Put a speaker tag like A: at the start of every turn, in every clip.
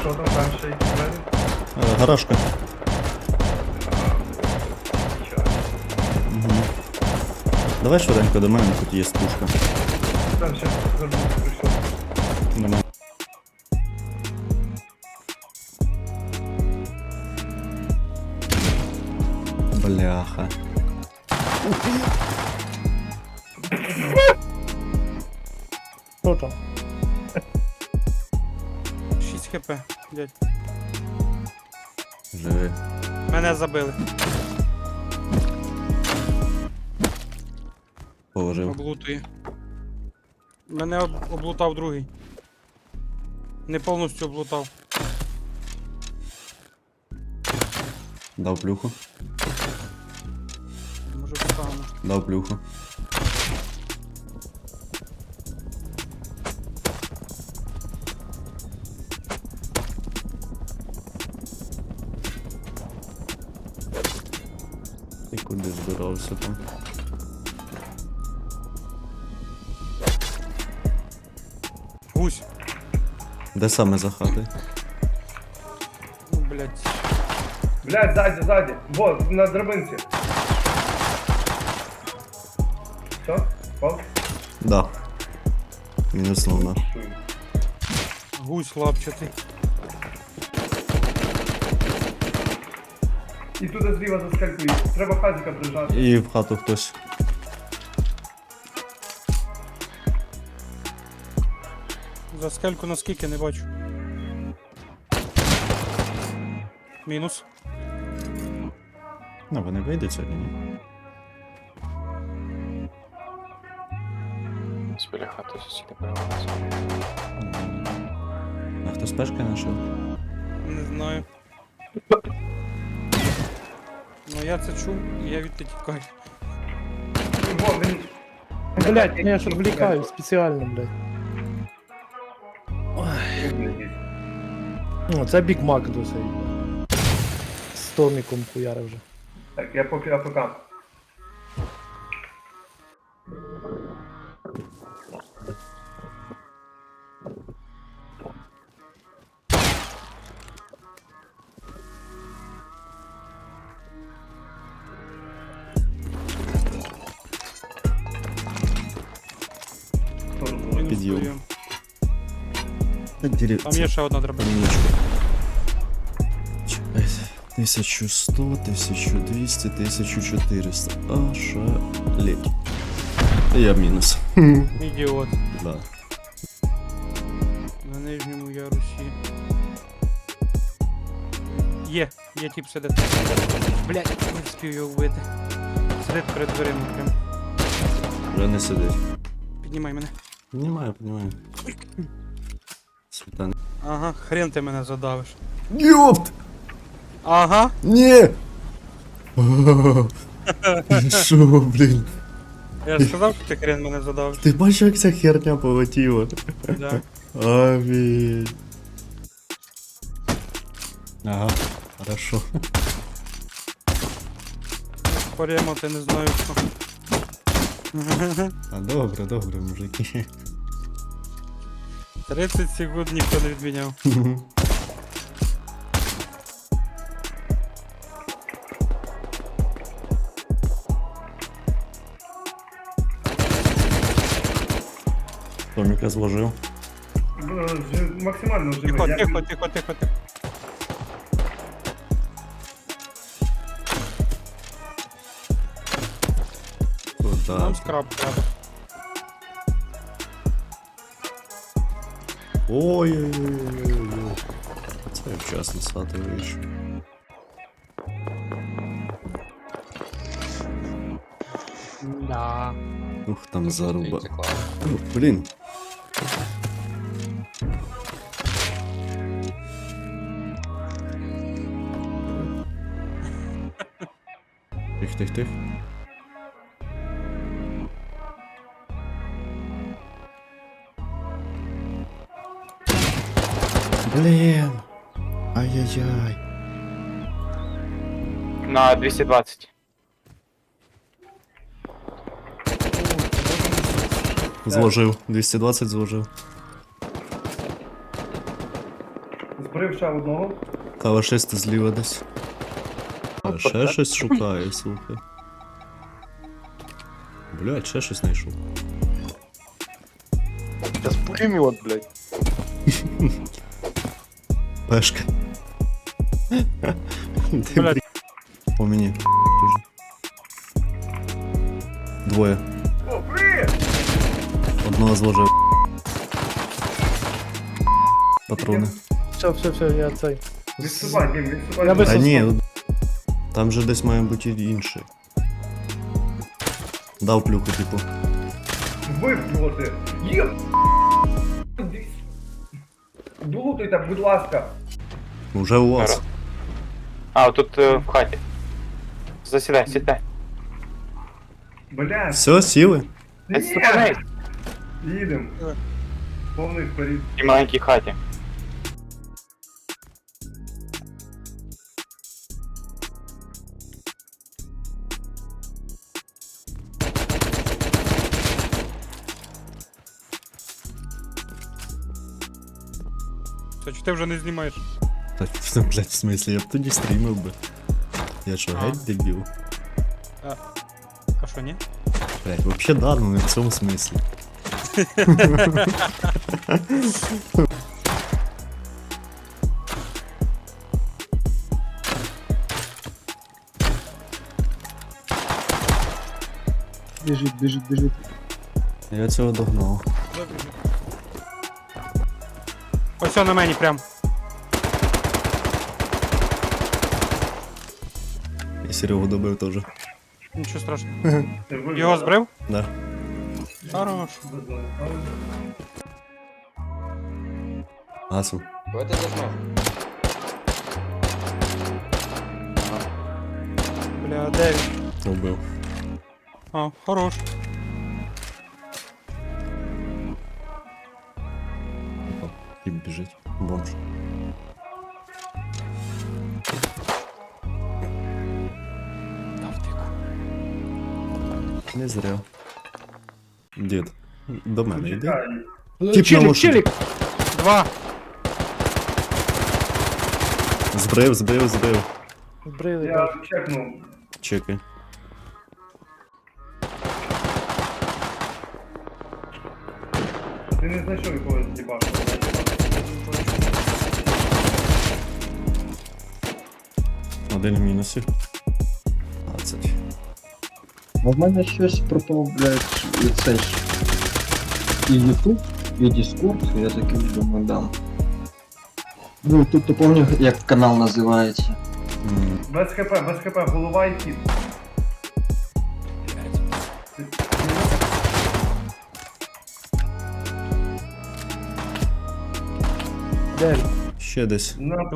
A: Що там перший двері?
B: Гаражка. Угу. Давай швиденько до мене, тут є пушка.
A: Там ще забув прийшов.
B: Нема. Бляха.
C: Що там?
D: 6 хп, дядь.
B: Живи.
D: Мене забили.
B: Положив.
D: Облутує. Мене облутав другий. Не повністю облутав.
B: Дав плюху.
D: Може встану.
B: Дав плюху. Ти куди збирався там?
D: Гусь.
B: Де саме за хати?
D: Ну, блядь.
A: Блядь, ззаді. Во, на драбинці. Все? Пав?
B: Да. Мінуснув на.
D: Гусь лапчатий.
A: І туди зліва заскалькує. Треба хазика прижати.
B: І в хату хтось.
D: За скельку наскільки не бачу. Мінус.
B: Ну, вони вийдуть сьогодні, ні?
E: Біля хати сусіди перевалися.
B: А хто спешки знайшов?
D: Не знаю. Ну я це чув, і я відти тікаю.
A: Во, він...
C: Блять, я ж відвлікаю спеціально, блять. О, це Біг Мак досить. З Томіком хуяри вже.
A: Так, я поки АФК.
D: Мінус
B: Підйом.
D: прийом.
B: Там
D: Там є ще одна драбина.
B: Паніночку. 1100, 1200, 1400. Ошалеть. Я мінус.
D: Ідіот.
B: Да.
D: На нижньому ярусі. Є тип сидить. Блять, не встиг його вбити. Сидить перед дверима прям.
B: Вже не сидить.
D: Піднімай мене.
B: Піднімаю. Світан.
D: Ага, хрен ти мене задавиш.
B: Ёпт!
D: Ага.
B: Ні! Шо, блін?
D: Я ж сказав, що ти хрен мене задавиш.
B: Ти бачиш, як ця херня полетіла?
D: Да.
B: Амінь. Ага, хорошо.
D: Поремо, ти не знаю що.
B: А добре, мужики.
D: 30 секунд ніхто не відміняв.
B: Томіка зложив.
A: Максимально живий.
D: Тихо,
A: Я-
D: тихо.
B: Куда?
D: Нам скраб треба.
B: Ой-ой-ой-ой-ой. Це я вчасно з хати вийшов.
D: Да.
B: Ух, там заруба.
E: Текла.
B: Блін. Тих. Блін. Ай-яй-яй.
E: На 220.
B: Зложив. 220 зложив.
A: Збрив ще одного.
B: Кавашисти зліва десь. А, ще щось шукає, слухай. Блядь, ще щось знайшов.
F: Сейчас пулемет, блядь.
B: Пешка. Ти,
D: Блядь.
B: По мені. Двоє.
A: О, привіт!
B: Одного зложив. Патрони.
C: Все, я цей.
A: Відступай, Дім, відступай.
C: Я би
B: Та
C: Високо.
B: ні, там же десь має бути інший. Дав плюху, типу.
A: Вбив його ти. Є! Долутуйте, будь ласка.
B: Уже у вас.
E: А, тут в хаті. Засідай, сідай.
A: Блядь.
B: Все, сіли?
E: Відступай.
A: Їдем. Повний вперед.
E: І маленькій хаті.
D: Це чи ти вже не знімаєш?
B: Та, блядь, в смислі, я б тоді стрімив би. Я що,
D: А.
B: геть дебіл?
D: А що, ні?
B: Блядь, вообще да, ну не в цьому смислі.
F: Бежит.
B: Я цього догнав.
D: Ось на мені прям.
B: І Серегу добив теж.
D: Нічого страшного.
A: Ти вбив
D: Його збрив?
B: Да.
D: Хорош.
B: Гасу.
D: Бля, де він?
B: Убив.
D: А, хорош.
B: І біжить. Бомж.
D: Дав тику.
B: Не зря. Дід. До мене йди.
A: Чекай.
B: Тіп на машині.
C: Челік!
D: Два.
B: Збрив.
C: Збрили.
A: Я чекнув.
B: Чекай.
A: Ти не знайшов якогось дібаша.
B: Один в мінусі. 20.
G: А в мене щось пропав, блядь, і це ж і YouTube, і Discord, я такий думаю, дам. Ну, тут ти пам'ятаєш, як канал називається?
A: Без хп, голова і кіт.
C: Де він?
B: Ще десь.
A: На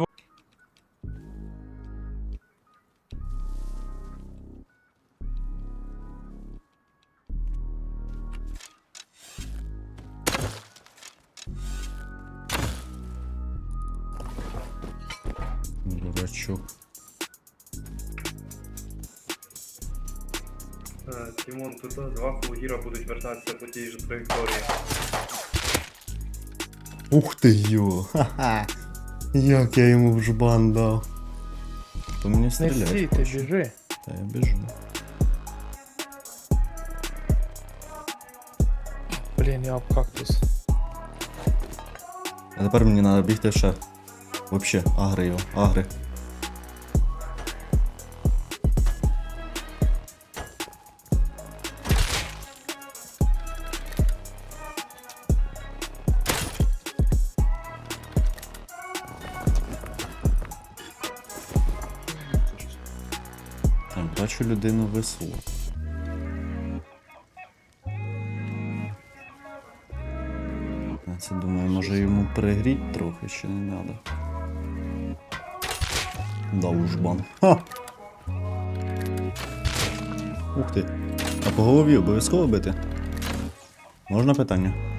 B: Дурачок.
A: Тімон, тут два фулгіра будуть вертатися по тій же траєкторії.
B: Ух ти йо! Ха-ха! Як я йому в жбан дав. То мені
C: Не
B: стріляє.
C: стій, ти біжи.
B: Та я біжу.
C: Блін, я об кактус.
B: А тепер мені треба бігти ще. Вообще, агри його, агри. Так, бачу людину ВСУ. Я це думаю, може йому пригріть трохи, ще не надо. Дав жбан. Ха! Ух ти. А по голові обов'язково бити? Можна питання?